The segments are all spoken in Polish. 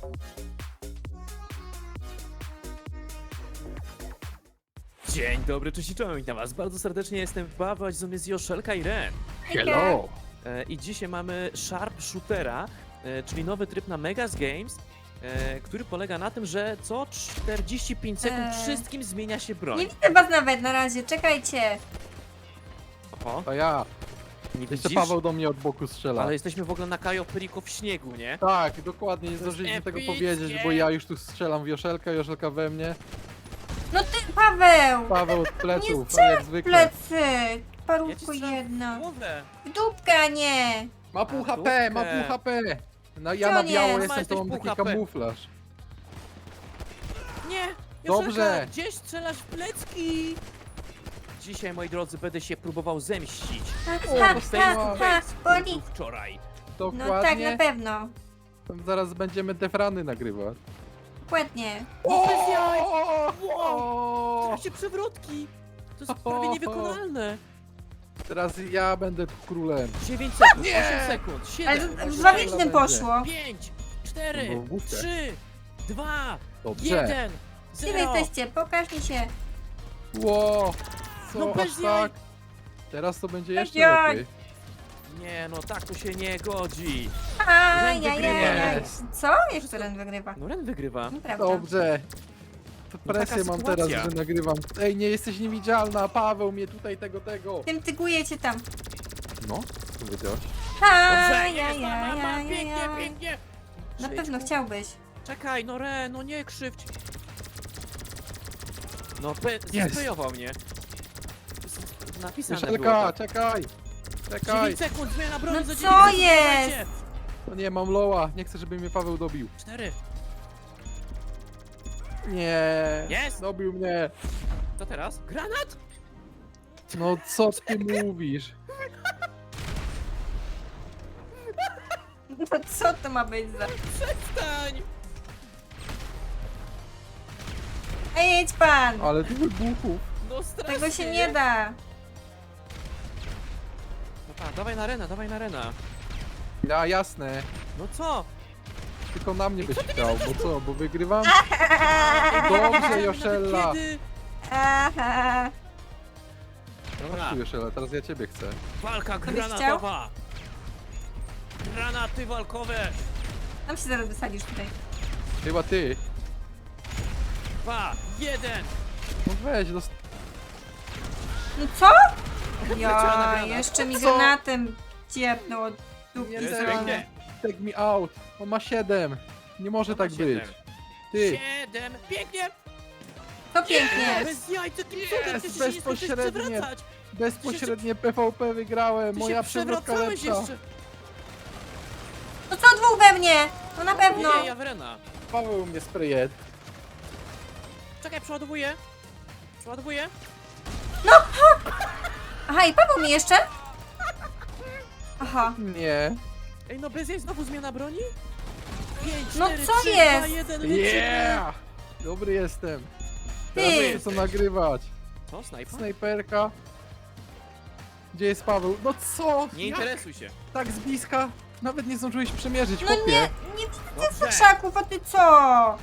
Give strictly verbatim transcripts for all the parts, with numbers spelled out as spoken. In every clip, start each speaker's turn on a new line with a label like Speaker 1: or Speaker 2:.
Speaker 1: Dzień dobry, cześć i czołem, witam was bardzo serdecznie, jestem Paweł, a z nami jest Joszelka i Ren.
Speaker 2: Hello!
Speaker 1: E, I dzisiaj mamy Sharp Shootera, e, czyli nowy tryb na Megas Games, e, który polega na tym, że co czterdzieści pięć sekund
Speaker 2: Eee.
Speaker 1: wszystkim zmienia się broń.
Speaker 2: Nie widzę was nawet na razie, czekajcie.
Speaker 1: Oho,
Speaker 3: To ja.
Speaker 1: nie
Speaker 3: Jeszcze
Speaker 1: widzisz?
Speaker 3: Paweł do mnie od boku strzela.
Speaker 1: Ale jesteśmy w ogóle na Kajo Perico w śniegu, nie?
Speaker 3: Tak, dokładnie, nie
Speaker 1: To jest
Speaker 3: zdążyliśmy tego
Speaker 1: epickie.
Speaker 3: powiedzieć, bo ja już tu strzelam w Joszelkę, Joszelka we mnie.
Speaker 2: No ty, Paweł!
Speaker 3: Paweł od
Speaker 2: Nie
Speaker 3: pleców,
Speaker 2: strzelaj
Speaker 3: jak
Speaker 2: w
Speaker 3: zwykle.
Speaker 2: plecy!
Speaker 1: Ja ci
Speaker 2: Parówko
Speaker 1: strzelam w
Speaker 2: jedna.
Speaker 1: głowę.
Speaker 2: W dupkę, a nie!
Speaker 3: Ma pół
Speaker 1: A,
Speaker 3: H P,
Speaker 1: dupkę.
Speaker 3: ma pół H P. No ja
Speaker 2: Co
Speaker 3: na
Speaker 2: nie?
Speaker 3: biało
Speaker 2: Ma,
Speaker 3: jestem,
Speaker 1: jesteś
Speaker 3: to mam
Speaker 1: pół
Speaker 3: taki
Speaker 1: H P.
Speaker 3: kamuflaż.
Speaker 1: Nie!
Speaker 3: Dobrze.
Speaker 1: Joszelka, gdzieś strzelasz w plecki! Dzisiaj, moi drodzy, będę się próbował zemścić.
Speaker 2: Ha,
Speaker 3: O,
Speaker 2: ha,
Speaker 3: dostałem
Speaker 2: ha,
Speaker 3: łap.
Speaker 2: ha, boli.
Speaker 1: Był wczoraj.
Speaker 2: No tak, na
Speaker 3: Dokładnie.
Speaker 2: pewno.
Speaker 3: Zaraz będziemy defrany nagrywać.
Speaker 2: Dokładnie.
Speaker 1: O, bez jaj!
Speaker 3: O,
Speaker 1: Wow!
Speaker 3: o,
Speaker 1: Trakcie przewrotki! To jest prawie niewykonalne!
Speaker 3: Teraz ja będę tu królem.
Speaker 1: dziewięć sekund,
Speaker 3: Nie!
Speaker 1: osiem sekund,
Speaker 2: Ale
Speaker 1: siedem,
Speaker 2: z- z
Speaker 3: Dobra,
Speaker 2: logicznym
Speaker 3: będzie.
Speaker 2: poszło.
Speaker 1: pięć, cztery,
Speaker 3: No, głupie.
Speaker 1: trzy, dwa,
Speaker 3: Dobrze.
Speaker 1: jeden,
Speaker 2: Gdzie wy
Speaker 1: zero.
Speaker 2: jesteście? Pokaż mi się.
Speaker 3: Ło, co,
Speaker 1: No bez
Speaker 3: aż
Speaker 1: jaj.
Speaker 3: tak? Teraz to będzie
Speaker 2: Bez
Speaker 3: jeszcze
Speaker 2: jaj.
Speaker 3: lepiej.
Speaker 1: Nie no, tak to się nie godzi.
Speaker 2: Ajajaj.
Speaker 3: Jest.
Speaker 2: Co? Jak to Ren wygrywa?
Speaker 1: No Ren wygrywa.
Speaker 2: Nieprawda.
Speaker 3: Dobrze. To
Speaker 1: No
Speaker 3: presję
Speaker 1: taka
Speaker 3: mam
Speaker 1: sytuacja.
Speaker 3: teraz, że nagrywam. Ej, nie jesteś niewidzialna, Paweł mnie tutaj tego, tego.
Speaker 2: Tym tygujecie tam.
Speaker 3: No, co powiedziałeś?
Speaker 1: Dobrze, jest, ma, ma, ma,
Speaker 2: Ajajaj.
Speaker 1: pięknie, pięknie.
Speaker 2: Na
Speaker 1: Przejdź,
Speaker 2: pewno
Speaker 1: ku-
Speaker 2: chciałbyś.
Speaker 1: Czekaj, no Ren, no nie krzywdź. No, pe-
Speaker 3: Jest.
Speaker 1: zespejował mnie. Z- Napisane było
Speaker 3: Joszelka,
Speaker 1: tak.
Speaker 3: czekaj! Czekaj!
Speaker 1: dziewięć sekund, zmiana broni
Speaker 2: No
Speaker 1: za
Speaker 2: co
Speaker 1: dziewięć sekund,
Speaker 2: jest?
Speaker 1: słuchajcie.
Speaker 3: No nie, mam loła. Nie chcę, żeby mnie Paweł dobił.
Speaker 1: cztery.
Speaker 3: Nie.
Speaker 1: Jest.
Speaker 3: Dobił mnie.
Speaker 1: Co teraz? Granat?
Speaker 3: No co ty mówisz?
Speaker 2: No co to ma być za...
Speaker 1: Przestań!
Speaker 2: Ej, jedź pan!
Speaker 3: Ale ty wybuchów.
Speaker 1: No strasznie.
Speaker 2: Tego się nie da.
Speaker 1: No tak, dawaj na Rena, dawaj na Rena.
Speaker 3: Ja, jasne.
Speaker 1: No co?
Speaker 3: Tylko na mnie byś chciał, bo co, bo wygrywam? Dobrze, Joszella.
Speaker 1: Kiedy?
Speaker 2: Aha.
Speaker 1: Dobra,
Speaker 3: Tu Joszella, teraz ja ciebie chcę.
Speaker 1: walka
Speaker 2: byś
Speaker 1: granatowa. Granaty walkowe.
Speaker 2: Tam się zaraz wysadzisz tutaj.
Speaker 3: Chyba ty.
Speaker 1: Dwa, jeden.
Speaker 3: No weź, dost...
Speaker 2: No co?
Speaker 1: Leciała na
Speaker 2: Ja,
Speaker 1: granat.
Speaker 2: jeszcze mi
Speaker 3: Co?
Speaker 2: granatem ciepnął od dupki
Speaker 3: Nie,
Speaker 1: Jest
Speaker 3: teraz.
Speaker 2: strony.
Speaker 1: pięknie.
Speaker 3: Take me out. On ma siedem. Nie może tak
Speaker 1: Siedem.
Speaker 3: być. Ty.
Speaker 1: Siedem, pięknie.
Speaker 2: To pięknie.
Speaker 1: Bez jaj, co ty
Speaker 3: Jest,
Speaker 1: cudem, przecież się nie skończysz
Speaker 3: bezpośrednie.
Speaker 1: przewracać.
Speaker 3: Bezpośrednie P V P wygrałem.
Speaker 1: Ty
Speaker 3: Moja
Speaker 1: się
Speaker 3: przewrotka
Speaker 1: przewracałeś
Speaker 3: lepsza.
Speaker 1: jeszcze.
Speaker 2: No co dwóch we mnie? No na pewno.
Speaker 1: Nie, ja w Rena.
Speaker 3: Paweł mnie sprayed.
Speaker 1: Czekaj, przeładowuję. Przeładowuję.
Speaker 2: Aha, i Paweł mi jeszcze? Aha.
Speaker 3: Nie.
Speaker 1: Ej, no bez jej znowu zmiana broni? pięć,
Speaker 2: No
Speaker 1: cztery,
Speaker 2: co
Speaker 1: trzy,
Speaker 2: jest?
Speaker 1: dwa, jeden, lecimy.
Speaker 3: Yeah! Dobry jestem. Teraz
Speaker 2: Ty.
Speaker 3: muszę co nagrywać.
Speaker 1: Co, snajpa?
Speaker 3: Snajperka. Gdzie jest Paweł? No co?
Speaker 1: Nie
Speaker 3: Jak?
Speaker 1: interesuj się.
Speaker 3: Tak z bliska? Nawet nie zdążyłeś przemierzyć,
Speaker 2: No
Speaker 3: chłopie.
Speaker 2: nie, nie widzę
Speaker 1: Dobrze.
Speaker 2: krzaków, a ty co?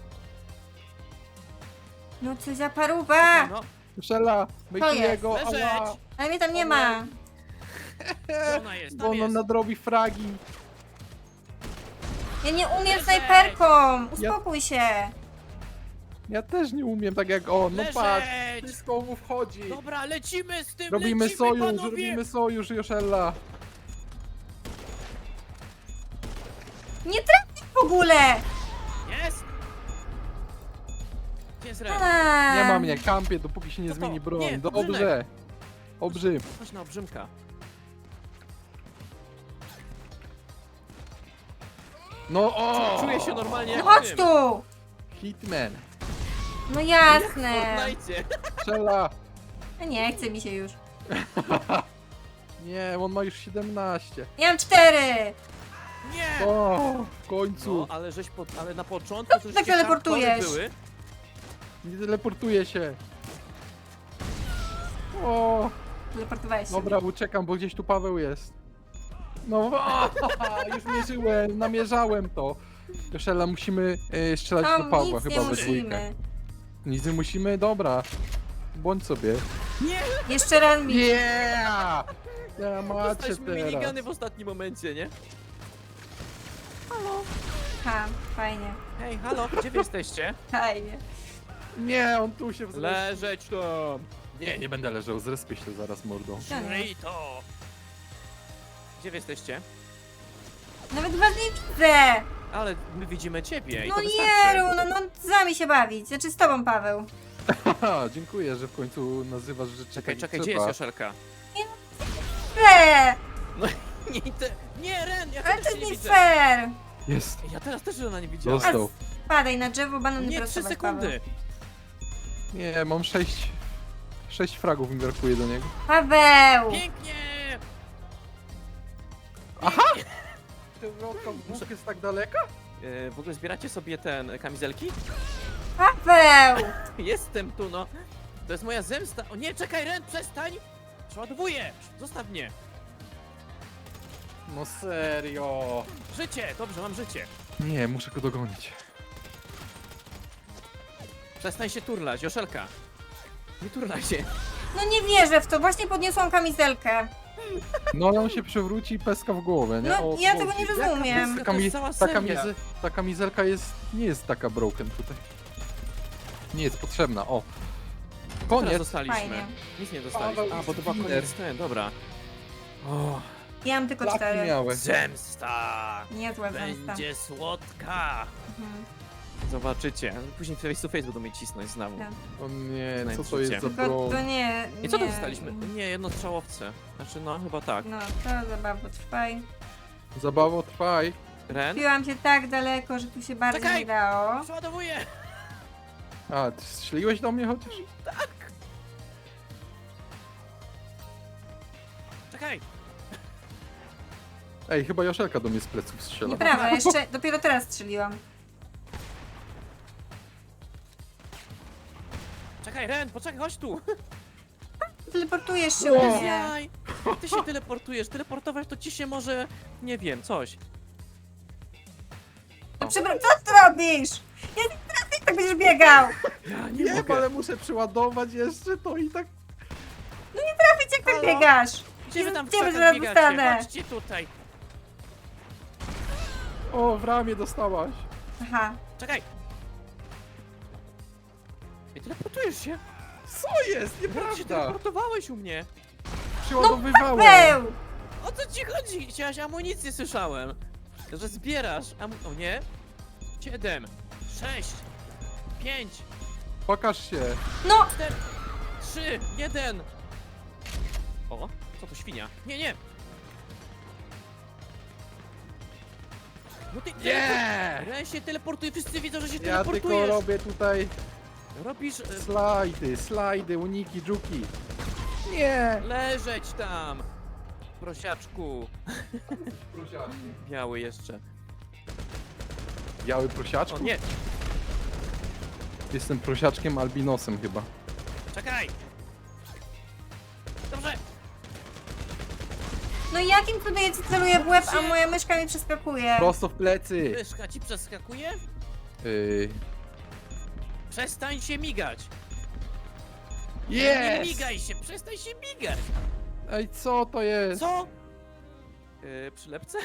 Speaker 2: No co za paruwa.
Speaker 1: No,
Speaker 3: Szela, myjtuję
Speaker 2: jest?
Speaker 3: go,
Speaker 1: Leżeć.
Speaker 3: ała.
Speaker 2: Ale mnie tam nie ma.
Speaker 1: gdzie ona jest?
Speaker 3: Bo
Speaker 1: Tam
Speaker 3: on
Speaker 1: jest.
Speaker 3: nadrobi fragi.
Speaker 2: Ja nie umiem
Speaker 1: Leżeć.
Speaker 2: snajperką. Uspokój się.
Speaker 3: Ja też nie umiem tak jak on. No
Speaker 1: Leżeć.
Speaker 3: patrz, wszystko mu wchodzi.
Speaker 1: Dobra, lecimy z tym,
Speaker 3: Robimy
Speaker 1: lecimy,
Speaker 3: sojusz,
Speaker 1: panowie.
Speaker 3: robimy sojusz, Joszella.
Speaker 2: Nie trafię w ogóle.
Speaker 1: Jest. Gdzie jest Ren?
Speaker 2: A.
Speaker 3: Nie ma mnie, kampię, dopóki się nie
Speaker 1: Co to?
Speaker 3: zmieni broń.
Speaker 1: Nie,
Speaker 3: Dobrze.
Speaker 1: obrzymek.
Speaker 3: Obrzym.
Speaker 1: Chodź na obrzymka.
Speaker 3: No o!
Speaker 1: Czuję się normalnie
Speaker 2: No
Speaker 1: jak
Speaker 2: chodź
Speaker 1: tym.
Speaker 2: tu.
Speaker 3: Hitman.
Speaker 2: No
Speaker 1: W
Speaker 2: jasne.
Speaker 1: Fortnite.
Speaker 3: Strzela.
Speaker 2: No nie chce mi się już.
Speaker 3: Nie, on ma już siedemnaście.
Speaker 2: Ja mam cztery.
Speaker 1: Nie.
Speaker 3: O, w
Speaker 1: No,
Speaker 3: końcu.
Speaker 1: ale żeś po, ale na początku to
Speaker 2: tak
Speaker 1: żeście
Speaker 2: teleportujesz?
Speaker 1: hardcore były.
Speaker 3: Nie teleportuje się. O,
Speaker 2: Teleportowałeś się.
Speaker 3: dobra, uciekam, bo gdzieś tu Paweł jest. No, o, już mierzyłem, namierzałem to. Joszela, musimy e, strzelać do
Speaker 2: Tom,
Speaker 3: Pawła
Speaker 2: nic nie
Speaker 3: chyba we dwójkę.
Speaker 2: musimy.
Speaker 3: Nic nie musimy? Dobra. Bądź sobie.
Speaker 1: Nie!
Speaker 2: Jeszcze raz mi.
Speaker 3: Yeah! Ja macie
Speaker 1: Dostaliśmy
Speaker 3: teraz.
Speaker 1: minigany w ostatnim momencie, nie?
Speaker 2: Ha, fajnie.
Speaker 1: Hej, halo, gdzie wy jesteście?
Speaker 2: Fajnie.
Speaker 3: Nie, on tu się wzruszył.
Speaker 1: Leżeć tam!
Speaker 3: Nie, nie będę leżał, zrespię się zaraz mordą.
Speaker 1: Żryj to! Gdzie wy jesteście?
Speaker 2: Nawet was nie widzę.
Speaker 1: Ale my widzimy ciebie i
Speaker 2: No
Speaker 1: to
Speaker 2: nie,
Speaker 1: wystarczy.
Speaker 2: no, no z nami się bawić. Znaczy z tobą, Paweł.
Speaker 3: Haha, dziękuję, że w końcu nazywasz rzeczy
Speaker 1: Czekaj,
Speaker 3: tak,
Speaker 1: czekaj,
Speaker 3: jak
Speaker 1: gdzie
Speaker 3: trzeba.
Speaker 1: jest Joszelka?
Speaker 2: Fair!
Speaker 1: No nie, te... nie, Ren, ja
Speaker 2: Ale
Speaker 1: też
Speaker 2: to
Speaker 1: się nie
Speaker 2: nie
Speaker 1: widzę.
Speaker 2: fair.
Speaker 3: Jest.
Speaker 1: Ja teraz też Rena nie widziałem.
Speaker 3: Dostał.
Speaker 2: Padaj na drzewo, banan
Speaker 1: Nie, trzy
Speaker 2: prostować,
Speaker 1: sekundy.
Speaker 3: Nie, mam sześć... Sześć fragów mi brakuje do niego.
Speaker 2: Paweł.
Speaker 1: Pięknie!
Speaker 3: Ty wróg jest tak daleka?
Speaker 1: E, w ogóle zbieracie sobie ten e, kamizelki?
Speaker 2: Paweł.
Speaker 1: Jestem tu, no. To jest moja zemsta. O nie, czekaj, Ren, przestań! Przeładowuję! Zostaw mnie!
Speaker 3: No serio.
Speaker 1: Życie! Dobrze, mam życie.
Speaker 3: Nie, muszę go dogonić.
Speaker 1: Przestań się turlać, Joszelka. Nie turlaj się.
Speaker 2: No nie wierzę w to. Właśnie podniosłam kamizelkę.
Speaker 3: No ale on się przewróci i peska w głowę, nie?
Speaker 2: No
Speaker 3: O,
Speaker 2: ja
Speaker 3: o,
Speaker 2: tego nie
Speaker 1: Jaka
Speaker 2: rozumiem.
Speaker 1: peska?
Speaker 3: Ta,
Speaker 1: To
Speaker 3: kami
Speaker 1: jest cała
Speaker 3: ta,
Speaker 1: seria.
Speaker 3: kamizy ta kamizelka jest... nie jest taka broken tutaj. Nie jest potrzebna, o.
Speaker 1: Teraz
Speaker 3: Koniec.
Speaker 1: dostaliśmy.
Speaker 2: Fajnie.
Speaker 1: Nic nie dostaliśmy. A, bo to była
Speaker 3: Winner.
Speaker 1: koniec ten, dobra. O,
Speaker 2: Ja mam tylko
Speaker 3: Laki
Speaker 2: cztery.
Speaker 3: miałeś.
Speaker 1: zemsta!
Speaker 2: Niezła zemsta.
Speaker 1: Będzie słodka!
Speaker 2: Mhm.
Speaker 1: Zobaczycie. Później face to face będą mnie cisnąć znowu.
Speaker 2: Tak.
Speaker 3: O nie,
Speaker 1: Znając
Speaker 3: co to jest
Speaker 1: życie.
Speaker 3: za
Speaker 2: Tylko to
Speaker 3: broń?
Speaker 2: nie.
Speaker 1: I co to
Speaker 2: nie.
Speaker 1: dostaliśmy? Nie, jednostrzałowce. Znaczy, no, chyba tak.
Speaker 2: No, to zabawa trwaj.
Speaker 3: Zabawo, trwaj.
Speaker 1: Ren?
Speaker 2: Piłam się tak daleko, że tu się bardzo
Speaker 1: Czekaj!
Speaker 2: nie dało.
Speaker 1: Przeładowuję!
Speaker 3: A, ty strzeliłeś do mnie chociaż?
Speaker 1: Czekaj!
Speaker 3: Ej, chyba Joszelka do mnie z pleców strzela.
Speaker 2: Nieprawda, jeszcze dopiero teraz strzeliłam.
Speaker 1: Czekaj, Ren, poczekaj, chodź tu!
Speaker 2: Teleportujesz się u mnie.
Speaker 1: Jaj! Ty się teleportujesz, teleportować to ci się może... nie wiem, coś.
Speaker 2: No przepraszam, co ty robisz? Ja nie trafię, tak będziesz biegał.
Speaker 1: Ja nie
Speaker 3: Nie,
Speaker 1: mogę.
Speaker 3: ale muszę przeładować jeszcze to i tak...
Speaker 2: Trafić, jak tak
Speaker 1: Halo?
Speaker 2: biegasz.
Speaker 1: Gdzie wy tam w
Speaker 2: Gdzie wy
Speaker 1: krzakach
Speaker 2: zaraz
Speaker 1: biegacie?
Speaker 2: dostanę?
Speaker 1: Chodźcie tutaj!
Speaker 3: O, w ramię dostałaś.
Speaker 2: Aha.
Speaker 1: Czekaj! I teleportujesz się?
Speaker 3: Co jest?
Speaker 1: Jak się
Speaker 3: Nieprawda.
Speaker 1: teleportowałeś u mnie?
Speaker 3: Przeładowywałem.
Speaker 2: Paweł!
Speaker 1: O co ci chodzi? Chciałaś amunicję, słyszałem. Że zbierasz amu... O nie? Siedem, sześć, pięć,
Speaker 2: No!
Speaker 3: Pokaż się.
Speaker 1: cztery, trzy, jeden. O, co to świnia? Nie, nie! No ty...
Speaker 3: Nie!
Speaker 1: Ren się teleportuje, wszyscy widzą, że się
Speaker 3: Ja
Speaker 1: teleportujesz.
Speaker 3: tylko robię tutaj
Speaker 1: Robisz... E,
Speaker 3: slajdy, slajdy, uniki, dżuki. Nie!
Speaker 1: leżeć tam! Prosiaczku. Biały jeszcze.
Speaker 3: Biały prosiaczku?
Speaker 1: O nie,
Speaker 3: Jestem prosiaczkiem albinosem chyba.
Speaker 1: czekaj! Dobrze!
Speaker 2: No jakim cudem ja ci celuję w łeb, a moja myszka mi przeskakuje?
Speaker 3: Prosto w plecy.
Speaker 1: Myszka ci przeskakuje?
Speaker 3: Yy.
Speaker 1: Przestań się migać! Nie
Speaker 3: Jest!
Speaker 1: migaj się, przestań się migać!
Speaker 3: Ej, co to jest?
Speaker 1: Co? Yy, przylepce?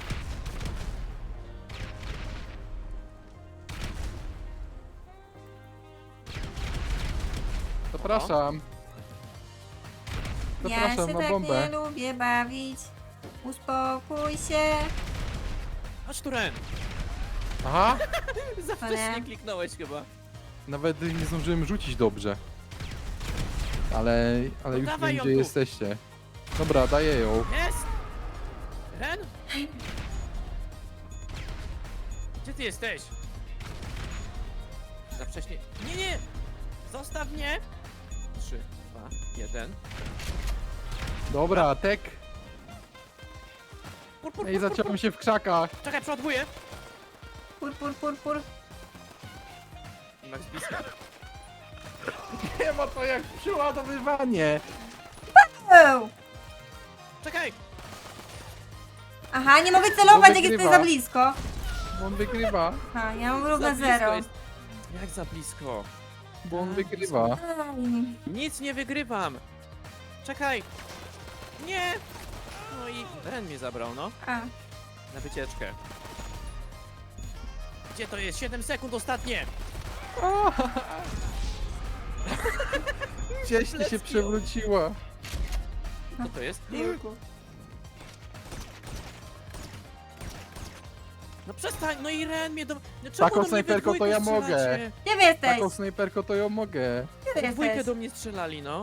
Speaker 3: Zapraszam.
Speaker 2: Ja
Speaker 3: Zapraszam
Speaker 2: się
Speaker 3: na
Speaker 2: tak
Speaker 3: bombę.
Speaker 2: nie lubię bawić. Uspokój się.
Speaker 1: Chodź tu, Ren!
Speaker 3: Aha!
Speaker 1: Za wcześnie
Speaker 2: nie.
Speaker 1: kliknąłeś chyba.
Speaker 3: Nawet nie zdążyłem rzucić dobrze. Ale, ale
Speaker 1: No
Speaker 3: już
Speaker 1: dawaj
Speaker 3: wiem,
Speaker 1: ją
Speaker 3: gdzie
Speaker 1: tu.
Speaker 3: jesteście. Dobra, daję ją.
Speaker 1: Jest! Ren? Gdzie ty jesteś? Za wcześnie... Nie, nie! Zostaw mnie! Trzy, dwa, jeden.
Speaker 3: Dobra, tek.
Speaker 1: Pur, pur,
Speaker 3: Ej,
Speaker 1: pur, pur,
Speaker 3: zacząłem
Speaker 1: pur.
Speaker 3: się w krzakach.
Speaker 1: Czekaj, przeładowuję!
Speaker 2: Pur, pur, pur, pur.
Speaker 1: Max blisko.
Speaker 3: Nie ma to jak przeładowywanie.
Speaker 2: Paweł!
Speaker 1: Czekaj!
Speaker 2: Aha, nie mogę celować, jak
Speaker 3: wygrywa.
Speaker 2: jesteś za blisko.
Speaker 3: bo on wygrywa,
Speaker 2: A, ja mam
Speaker 1: Za
Speaker 2: równe
Speaker 1: blisko
Speaker 2: zero.
Speaker 1: jest. Jak za blisko?
Speaker 3: bo on
Speaker 1: A,
Speaker 3: wygrywa.
Speaker 2: Aj.
Speaker 1: Nic nie wygrywam. Czekaj. Nie. No i Ren mnie zabrał, no.
Speaker 2: A,
Speaker 1: Na wycieczkę. Gdzie to jest? siedem sekund ostatnie.
Speaker 3: Gdzieś ty się
Speaker 1: Let's go.
Speaker 3: przewróciła.
Speaker 1: Co to jest?
Speaker 2: Jurku.
Speaker 1: No przestań, no i Ren mnie do... No czemu
Speaker 3: Taką
Speaker 1: do mnie
Speaker 3: snajperką
Speaker 1: we
Speaker 3: to ja
Speaker 1: dwójkę
Speaker 3: mogę.
Speaker 1: strzelacie?
Speaker 2: Gdzie wy jesteś?
Speaker 3: Taką snajperką to ją mogę.
Speaker 2: Gdzie ty
Speaker 1: W dwójkę
Speaker 2: jesteś?
Speaker 1: do mnie strzelali, no.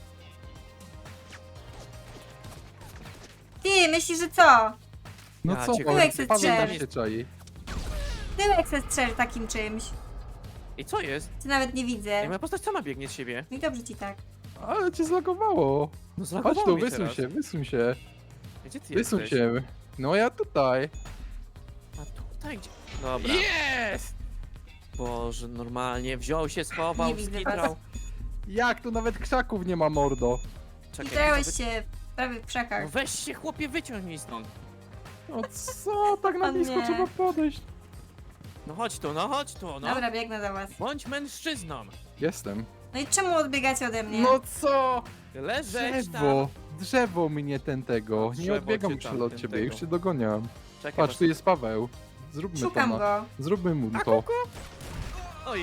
Speaker 2: Ty, myślisz, że co?
Speaker 3: No
Speaker 1: Ja
Speaker 3: co,
Speaker 1: cię
Speaker 3: Paweł,
Speaker 2: kręcę.
Speaker 3: Paweł
Speaker 2: Tyłek
Speaker 3: też się czai.
Speaker 2: Tyłek se strzel takim czymś.
Speaker 1: I co jest?
Speaker 2: Ty nawet nie
Speaker 1: Jak
Speaker 2: widzę.
Speaker 1: moja postać sama biegnie z siebie.
Speaker 2: No i dobrze ci tak.
Speaker 3: Ale cię zlagowało.
Speaker 1: No
Speaker 3: Chodź
Speaker 1: zlagowało
Speaker 3: tu,
Speaker 1: mnie
Speaker 3: wysuń
Speaker 1: teraz.
Speaker 3: się, wysuń się.
Speaker 1: Gdzie ty
Speaker 3: Wysuń
Speaker 1: jesteś?
Speaker 3: się. No ja tutaj.
Speaker 1: A tutaj gdzie? Dobra.
Speaker 3: Jest!
Speaker 1: Boże, normalnie wziął się, schował,
Speaker 2: Nie widzę
Speaker 1: skitrał.
Speaker 3: Jak tu nawet krzaków nie ma, mordo.
Speaker 2: I
Speaker 1: Czekaj,
Speaker 2: trałeś
Speaker 1: to wy-
Speaker 2: się prawie w krzakach.
Speaker 1: No weź się chłopie, wyciągnij stąd.
Speaker 3: No co, tak na
Speaker 2: O
Speaker 3: blisko
Speaker 2: nie.
Speaker 3: trzeba podejść.
Speaker 1: No chodź tu, no chodź tu, no.
Speaker 2: Dobra, biegnę do was.
Speaker 1: Bądź mężczyzną.
Speaker 3: Jestem.
Speaker 2: No i czemu odbiegacie ode mnie?
Speaker 3: No co?
Speaker 1: Leżeć tam.
Speaker 3: Drzewo. Drzewo mnie ten tego.
Speaker 1: Drzewo
Speaker 3: Nie odbiegam
Speaker 1: cię
Speaker 3: już
Speaker 1: tam,
Speaker 3: od
Speaker 1: ten
Speaker 3: ciebie,
Speaker 1: tego.
Speaker 3: już cię dogoniam.
Speaker 1: Czekaj,
Speaker 3: Patrz, tu jest Paweł. Zróbmy
Speaker 2: Szukam
Speaker 3: to. Na...
Speaker 2: go.
Speaker 3: Zróbmy mu
Speaker 1: A,
Speaker 3: to.
Speaker 1: kuku? Oj.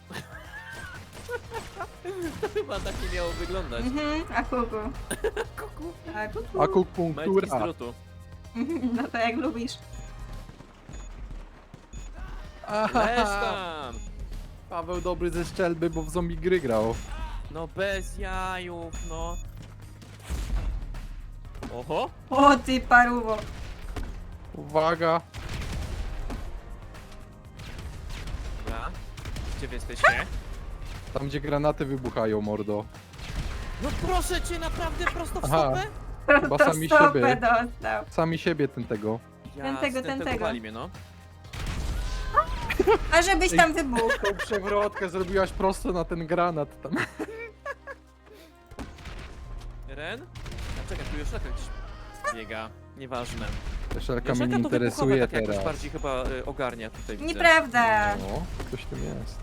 Speaker 1: To chyba tak nie miało wyglądać.
Speaker 2: Mhm, a kuku.
Speaker 1: Kuku.
Speaker 2: A kuku.
Speaker 3: A
Speaker 1: Majtki z
Speaker 3: akupunktura.
Speaker 1: drutu.
Speaker 2: No to jak lubisz.
Speaker 1: Leż tam.
Speaker 3: Paweł dobry ze strzelby, bo w zombie gry grał.
Speaker 1: No bez jajów, no. Oho.
Speaker 2: O ty paruwo.
Speaker 3: Uwaga.
Speaker 1: Dobra. Gdzie wy jesteście?
Speaker 3: Tam gdzie granaty wybuchają, mordo.
Speaker 1: No proszę cię, naprawdę prosto w
Speaker 3: Aha.
Speaker 1: stopę?
Speaker 3: Chyba
Speaker 2: To
Speaker 3: sami
Speaker 2: stopę
Speaker 3: siebie.
Speaker 2: dostał.
Speaker 3: Sami siebie ten tego.
Speaker 2: Ten tego, ten tego.
Speaker 1: wali mnie, no.
Speaker 2: A żebyś tam wybuchł.
Speaker 3: Tą przewrotkę zrobiłaś prosto na ten granat tam.
Speaker 1: Ren? A czekaj, tu już jaka gdzieś biega. Nieważne.
Speaker 3: Szelka mnie
Speaker 1: Joszelka
Speaker 3: nie
Speaker 1: to wybuchowe
Speaker 3: interesuje
Speaker 1: tak jakoś
Speaker 3: teraz.
Speaker 1: bardziej chyba y, ogarnia tutaj, widzę.
Speaker 2: Nieprawda.
Speaker 3: No, coś tym jest.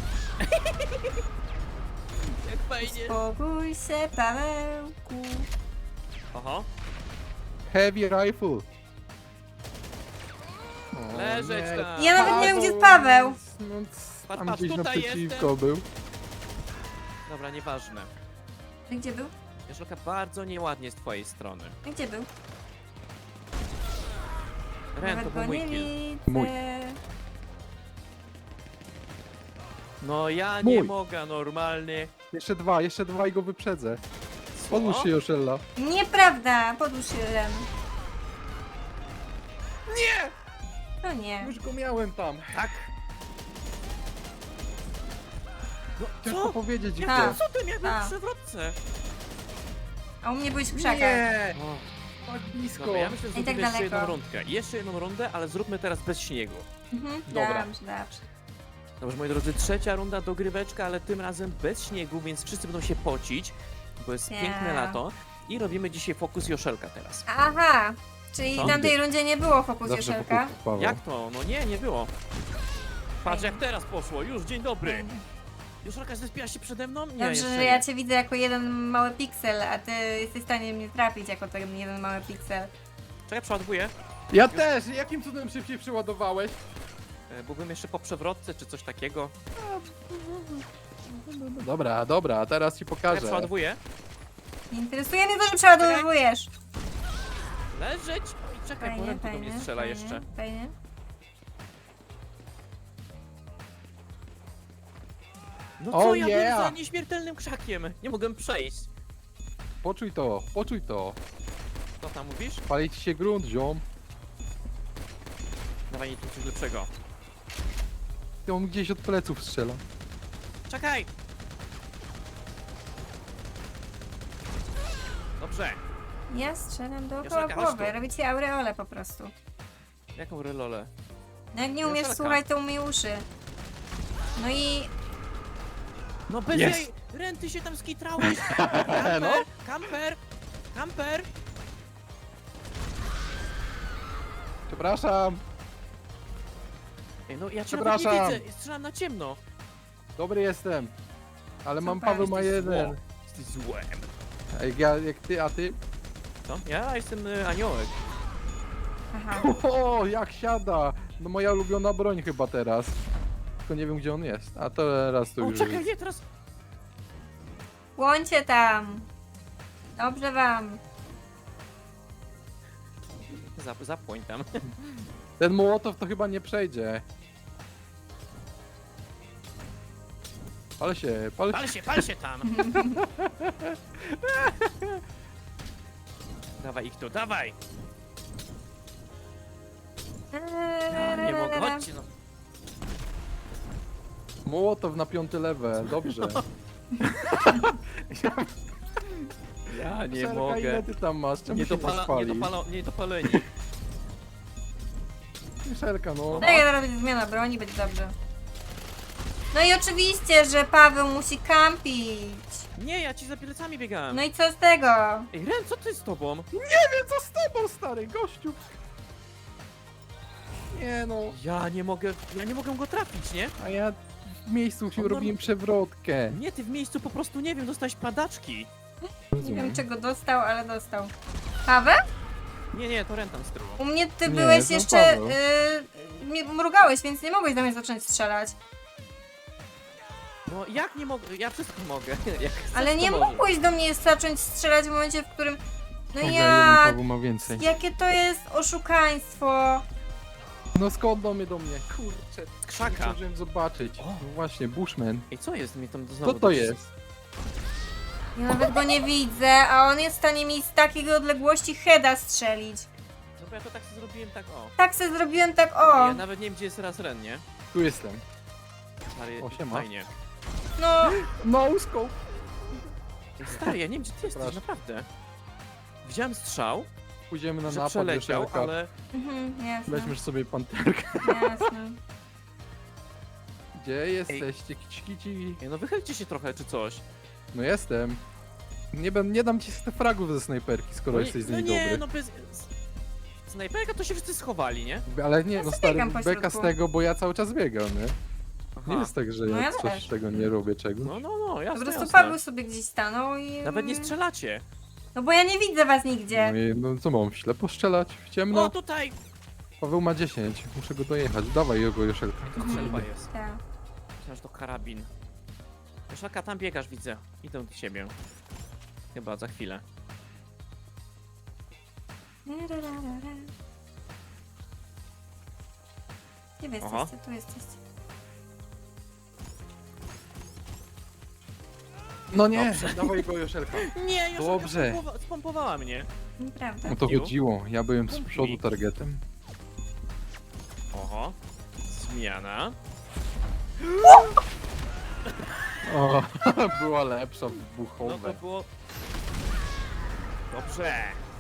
Speaker 1: Jak fajnie.
Speaker 2: Spokój się, Pawełku.
Speaker 1: Oho.
Speaker 3: Heavy rifle. O,
Speaker 1: Leżeć
Speaker 3: nie.
Speaker 1: tam.
Speaker 2: Ja nawet nie wiem, gdzie jest Paweł.
Speaker 3: No,
Speaker 1: Patrz,
Speaker 3: tam
Speaker 1: patrz,
Speaker 3: gdzieś
Speaker 1: tutaj
Speaker 3: naprzeciwko był.
Speaker 1: Dobra, nieważne.
Speaker 2: A gdzie był?
Speaker 1: Joszelka, bardzo nieładnie z twojej strony.
Speaker 2: A gdzie był?
Speaker 1: Ren, to
Speaker 2: Nawet
Speaker 1: był
Speaker 2: go
Speaker 1: mój
Speaker 2: nie
Speaker 1: kill.
Speaker 2: widzę.
Speaker 3: Mój.
Speaker 1: No ja
Speaker 3: Mój.
Speaker 1: nie mogę normalnie.
Speaker 3: Jeszcze dwa, jeszcze dwa i go wyprzedzę.
Speaker 1: Co?
Speaker 3: Podłóż się, Joszella.
Speaker 2: Nieprawda, podłóż się Ren.
Speaker 3: Nie!
Speaker 2: No nie.
Speaker 3: Już go miałem tam.
Speaker 1: Tak. No
Speaker 3: Ciężko
Speaker 1: co?
Speaker 3: powiedzieć
Speaker 1: Jak
Speaker 2: Tak.
Speaker 3: gdzie.
Speaker 1: to? Co ty miałeś
Speaker 2: A.
Speaker 1: w przewrotce?
Speaker 2: A u mnie byłeś w krzakach.
Speaker 3: Nie!
Speaker 1: O,
Speaker 3: Tak blisko.
Speaker 1: dobra, ja myślę, że
Speaker 2: I tak
Speaker 1: zrobimy jeszcze
Speaker 2: daleko.
Speaker 1: jedną rundkę. Jeszcze jedną rundę, ale zróbmy teraz bez śniegu.
Speaker 2: Mhm,
Speaker 3: Dobra.
Speaker 2: Dobrze, dobrze.
Speaker 1: Dobrze, moi drodzy, trzecia runda dogryweczka, ale tym razem bez śniegu, więc wszyscy będą się pocić, bo jest
Speaker 2: Nie.
Speaker 1: piękne lato. I robimy dzisiaj fokus Joszelka teraz.
Speaker 2: Aha, czyli
Speaker 1: Co?
Speaker 2: w tamtej rundzie nie było fokus
Speaker 3: Zawsze
Speaker 2: Joszelka.
Speaker 3: wokół Paweł.
Speaker 1: Jak to? No nie, nie było. Patrz jak teraz poszło, już, dzień dobry. Joszelka zespiła się przede mną? Nie,
Speaker 2: Dobrze,
Speaker 1: jeszcze
Speaker 2: że
Speaker 1: nie.
Speaker 2: ja cię widzę jako jeden mały piksel, a ty jesteś w stanie mnie trafić jako ten jeden mały piksel.
Speaker 1: Czekaj, przeładowuję.
Speaker 3: Ja też! Jakim cudem szybciej przeładowałeś?
Speaker 1: E, Byłbym jeszcze po przewrotce, czy coś takiego.
Speaker 3: Dobra, dobra, teraz ci
Speaker 1: Czekaj,
Speaker 3: pokażę.
Speaker 1: przeładowuję.
Speaker 2: Nie interesuje mnie to, że przeładowujesz.
Speaker 1: Leżeć! Oj, czekaj, bo
Speaker 2: Fajnie,
Speaker 1: Ren tu do mnie
Speaker 2: fajnie,
Speaker 1: strzela
Speaker 2: fajnie,
Speaker 1: jeszcze.
Speaker 2: fajnie.
Speaker 1: No
Speaker 3: Oh,
Speaker 1: co, ja
Speaker 3: yeah.
Speaker 1: byłem za nieśmiertelnym krzakiem. Nie mogłem przejść.
Speaker 3: Poczuj to, poczuj to.
Speaker 1: Co tam mówisz?
Speaker 3: Pali ci się grunt, ziom.
Speaker 1: Dawaj mi tu coś lepszego.
Speaker 3: Ty on gdzieś od pleców strzela.
Speaker 1: Czekaj! Dobrze.
Speaker 2: Ja strzelam dookoła
Speaker 1: Joszelka, chodź
Speaker 2: głowy,
Speaker 1: tu.
Speaker 2: robię ci aureolę po prostu.
Speaker 1: Jaką relolę?
Speaker 2: No jak nie umiesz
Speaker 1: Joszelka.
Speaker 2: słuchać, to umyj uszy. No i
Speaker 1: No bez
Speaker 3: Jest.
Speaker 1: jej... Ren, ty się tam skitrałeś! Kamper!
Speaker 3: No.
Speaker 1: Kamper! Kamper!
Speaker 3: Przepraszam.
Speaker 1: Ej, no ja cię nawet nie
Speaker 3: Przepraszam.
Speaker 1: widzę, strzelam na ciemno.
Speaker 3: Dobry jestem. Ale mam
Speaker 2: Super.
Speaker 3: Paweł ma jeden.
Speaker 1: Zło. Jesteś złem.
Speaker 3: Ej, ja, jak ty, a ty?
Speaker 1: Co? Ja jestem y, aniołek.
Speaker 2: Aha.
Speaker 3: O, jak siada! No moja ulubiona broń chyba teraz. Tylko nie wiem gdzie on jest. A teraz to
Speaker 1: O,
Speaker 3: już
Speaker 1: czekaj,
Speaker 3: jest.
Speaker 1: nie, teraz...
Speaker 2: Łącie tam. Dobrze wam.
Speaker 1: Zap, zapłoń tam.
Speaker 3: Ten Mołotow to chyba nie przejdzie. Pal się, pal się.
Speaker 1: Pal się, pal się tam! Dawaj ich tu, dawaj! Ja nie mogę, chodźcie no.
Speaker 3: Mołotow na piąty level, dobrze.
Speaker 1: Ja nie
Speaker 3: Szerka,
Speaker 1: mogę.
Speaker 3: ile ty tam masz? Czemu
Speaker 1: Nie,
Speaker 3: się
Speaker 1: dopala,
Speaker 3: nie
Speaker 1: nie,
Speaker 3: spalisz?
Speaker 1: dopala, nie dopaleni.
Speaker 3: Szerka, no.
Speaker 2: Tak, zaraz będzie zmiana broni, będzie dobrze. No i oczywiście, że Paweł musi kampić.
Speaker 1: Nie, ja ci za plecami biegałem.
Speaker 2: No i co z tego?
Speaker 1: Ej, Ren, co ty z tobą?
Speaker 3: Nie wiem co z tobą, stary gościu. Nie no,
Speaker 1: Ja nie mogę, ja nie mogę go trafić, nie?
Speaker 3: a ja w miejscu się
Speaker 1: On
Speaker 3: robiłem przewrotkę.
Speaker 1: Nie, ty w miejscu po prostu, nie wiem, dostałeś padaczki.
Speaker 2: Nie wiem czego dostał, ale dostał. Paweł?
Speaker 1: Nie, nie, to Ren tam sterował.
Speaker 2: U mnie ty
Speaker 3: Nie,
Speaker 2: byłeś
Speaker 3: to
Speaker 2: jeszcze...
Speaker 3: Paweł.
Speaker 2: Yy, mnie mrugałeś, więc nie mogłeś do mnie zacząć strzelać.
Speaker 1: No jak nie mogę, ja wszystko mogę. Jak chcesz,
Speaker 2: Ale
Speaker 1: to
Speaker 2: nie
Speaker 1: możesz.
Speaker 2: mogłeś do mnie zacząć strzelać w momencie, w którym... No
Speaker 3: Dobra, jeden
Speaker 2: ja...
Speaker 3: Paweł ma więcej.
Speaker 2: Jakie to jest oszukaństwo.
Speaker 3: No skąd do mnie do mnie? Kurczę,
Speaker 1: Z krzaka.
Speaker 3: zdążyłem zobaczyć.
Speaker 1: O.
Speaker 3: No właśnie, Bushman.
Speaker 1: Ej, co jest? Mi tam znowu
Speaker 3: Co to
Speaker 1: do-
Speaker 3: jest?
Speaker 2: Ja nawet go nie widzę, a on jest w stanie mi z takiej odległości heada strzelić.
Speaker 1: No bo ja to tak sobie zrobiłem, tak o.
Speaker 2: Tak se zrobiłem tak o.
Speaker 1: Ja nawet nie wiem, gdzie jest teraz Ren, nie?
Speaker 3: Tu jestem.
Speaker 1: Stary,
Speaker 3: O, siema.
Speaker 1: fajnie.
Speaker 2: No,
Speaker 3: No scope.
Speaker 1: Ej, Stary, ja nie wiem, gdzie ty jesteś,
Speaker 3: Proszę.
Speaker 1: naprawdę. Widziałem strzał,
Speaker 3: Pójdziemy na
Speaker 1: że
Speaker 3: napad,
Speaker 1: przeleciał,
Speaker 3: Joszelka.
Speaker 1: ale...
Speaker 2: mhm, jasne,
Speaker 3: Weźmiesz sobie panterkę.
Speaker 2: jasne.
Speaker 3: Gdzie jesteście, kici kici?
Speaker 1: Ej, no wychylcie się trochę, czy coś.
Speaker 3: No jestem. Nie, bym, nie dam ci z te fragów ze snajperki, skoro
Speaker 1: No, nie-
Speaker 3: jesteś z
Speaker 1: no
Speaker 3: niej
Speaker 1: nie,
Speaker 3: dobry.
Speaker 1: no bez... Snajperka to się wszyscy schowali, nie?
Speaker 3: Ale nie,
Speaker 2: Ja
Speaker 3: no
Speaker 2: sobie
Speaker 3: stary,
Speaker 2: biegam po
Speaker 3: beka z
Speaker 2: środku.
Speaker 3: tego, bo ja cały czas biegam, nie?
Speaker 1: Aha.
Speaker 3: Nie jest tak, że
Speaker 2: No
Speaker 3: ja
Speaker 2: ja
Speaker 3: coś
Speaker 2: też.
Speaker 3: tego nie robię, czego.
Speaker 1: No, no, no,
Speaker 2: Po
Speaker 1: jasne,
Speaker 2: prostu
Speaker 1: jasne.
Speaker 2: Paweł sobie gdzieś stanął i...
Speaker 1: Nawet nie strzelacie.
Speaker 2: No bo ja nie widzę was nigdzie.
Speaker 3: No, i, no co mam, ślepo strzelać? W ciemno?
Speaker 1: O, tutaj!
Speaker 3: Paweł ma dziesięć, muszę go dojechać. Dawaj jego, Joszelka.
Speaker 1: To strzelba jest.
Speaker 2: Tak.
Speaker 1: Myślałem, że to karabin. Koszalka, tam biegasz, widzę. Idę do ciebie. Chyba za chwilę.
Speaker 2: Gdzie wy
Speaker 1: Aha.
Speaker 2: jesteście? Tu jesteście.
Speaker 3: No nie, dawaj go, Joszelka.
Speaker 1: Nie, już
Speaker 3: Dobrze.
Speaker 1: spompowa- spompowała mnie.
Speaker 2: Nieprawda.
Speaker 3: No to
Speaker 1: Piu.
Speaker 3: chodziło, ja byłem z
Speaker 1: Kumpli.
Speaker 3: przodu targetem.
Speaker 1: Oho. Zmiana.
Speaker 3: O, była lepsza,
Speaker 1: No to
Speaker 3: wybuchowe.
Speaker 1: było... Dobrze.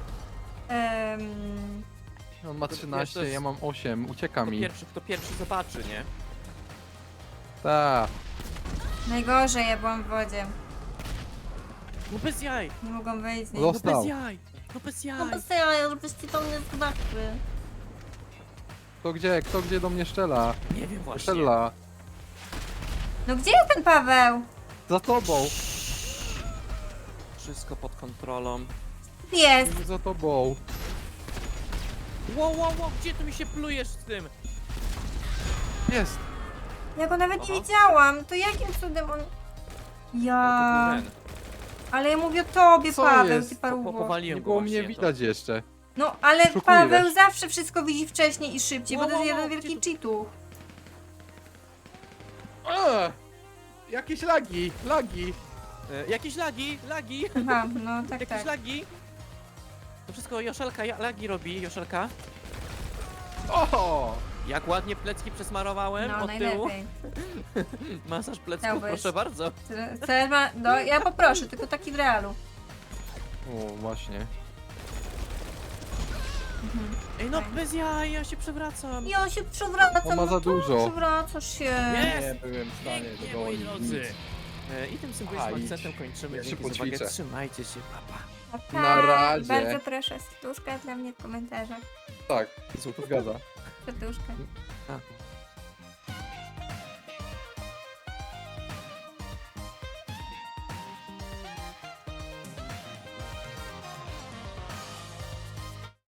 Speaker 2: Em,
Speaker 3: On ma
Speaker 1: to
Speaker 3: trzynaście,
Speaker 1: jest-
Speaker 3: ja mam osiem, ucieka
Speaker 1: Kto
Speaker 3: mi.
Speaker 1: pierwszy, kto pierwszy zobaczy, nie?
Speaker 3: Ta.
Speaker 2: najgorzej, ja byłam w wodzie.
Speaker 1: No bez jaj.
Speaker 2: Nie mogłam wyjść z niej.
Speaker 3: Los-
Speaker 1: No
Speaker 3: Dostał.
Speaker 1: bez jaj. No bez
Speaker 2: No
Speaker 1: jaj.
Speaker 2: bez jaja, żebyście to mnie zobaczyły.
Speaker 3: Kto gdzie, kto gdzie do mnie strzela?
Speaker 1: Nie wiem właśnie.
Speaker 3: Strzela.
Speaker 2: No gdzie jest ten Paweł?
Speaker 3: Za tobą.
Speaker 1: Wszystko pod kontrolą.
Speaker 2: Jest.
Speaker 3: Za tobą.
Speaker 1: Wow, wow, wow, gdzie ty mi się plujesz z tym?
Speaker 3: Jest.
Speaker 2: Ja go nawet
Speaker 1: Aha.
Speaker 2: nie widziałam. To jakim cudem on...
Speaker 1: Ale
Speaker 2: Ja...
Speaker 1: to był Ren.
Speaker 2: Ale ja mówię o tobie,
Speaker 3: Co
Speaker 2: Paweł,
Speaker 3: jest?
Speaker 2: ty
Speaker 1: Po,
Speaker 2: paruwo.
Speaker 1: powaliłem
Speaker 3: Nie
Speaker 1: go
Speaker 3: było
Speaker 1: właśnie,
Speaker 3: mnie
Speaker 1: to-
Speaker 3: widać jeszcze.
Speaker 2: No, ale
Speaker 3: Szukujesz.
Speaker 2: Paweł zawsze wszystko widzi wcześniej i szybciej,
Speaker 1: Wow,
Speaker 2: bo to jest
Speaker 1: wow,
Speaker 2: jeden
Speaker 1: wow,
Speaker 2: wielki
Speaker 1: gdzie
Speaker 2: cheatu.
Speaker 3: A! Jakieś lagi, lagi.
Speaker 1: E, jakieś lagi, lagi.
Speaker 2: Aha, no tak,
Speaker 1: Jakieś
Speaker 2: tak.
Speaker 1: lagi. To wszystko Joszelka ja, lagi robi, Joszelka.
Speaker 3: O!
Speaker 1: Jak ładnie plecki przesmarowałem
Speaker 2: No,
Speaker 1: od tyłu.
Speaker 2: najlepiej.
Speaker 1: Masaż plecków,
Speaker 2: Chciałbyś.
Speaker 1: proszę bardzo.
Speaker 2: Chcesz- Chcesz ma... No, ja poproszę, tylko taki w realu.
Speaker 3: O, właśnie.
Speaker 1: Ej, no
Speaker 2: Fajnie.
Speaker 1: bez jaj, ja się przewracam.
Speaker 2: Ja się przewracam,
Speaker 3: On ma
Speaker 2: no
Speaker 3: za
Speaker 2: to
Speaker 3: dużo.
Speaker 2: Przewracasz się.
Speaker 1: Nie.
Speaker 3: Nie byłem w stanie
Speaker 1: Pięknie,
Speaker 3: go
Speaker 1: moi
Speaker 3: dogonić.
Speaker 1: drodzy.
Speaker 3: Nic.
Speaker 1: E, I tym symbolicznym
Speaker 3: Aha, idź.
Speaker 1: akcentem kończymy.
Speaker 3: Ja się
Speaker 1: Dzięki za uwagę.
Speaker 3: poćwiczę.
Speaker 1: Trzymajcie się, papa.
Speaker 2: Pa,
Speaker 3: Na razie.
Speaker 2: Bardzo proszę, serduszka dla mnie w komentarzach.
Speaker 3: Tak,
Speaker 1: Złotówka.
Speaker 3: zgadza.
Speaker 2: Serduszka.
Speaker 1: A.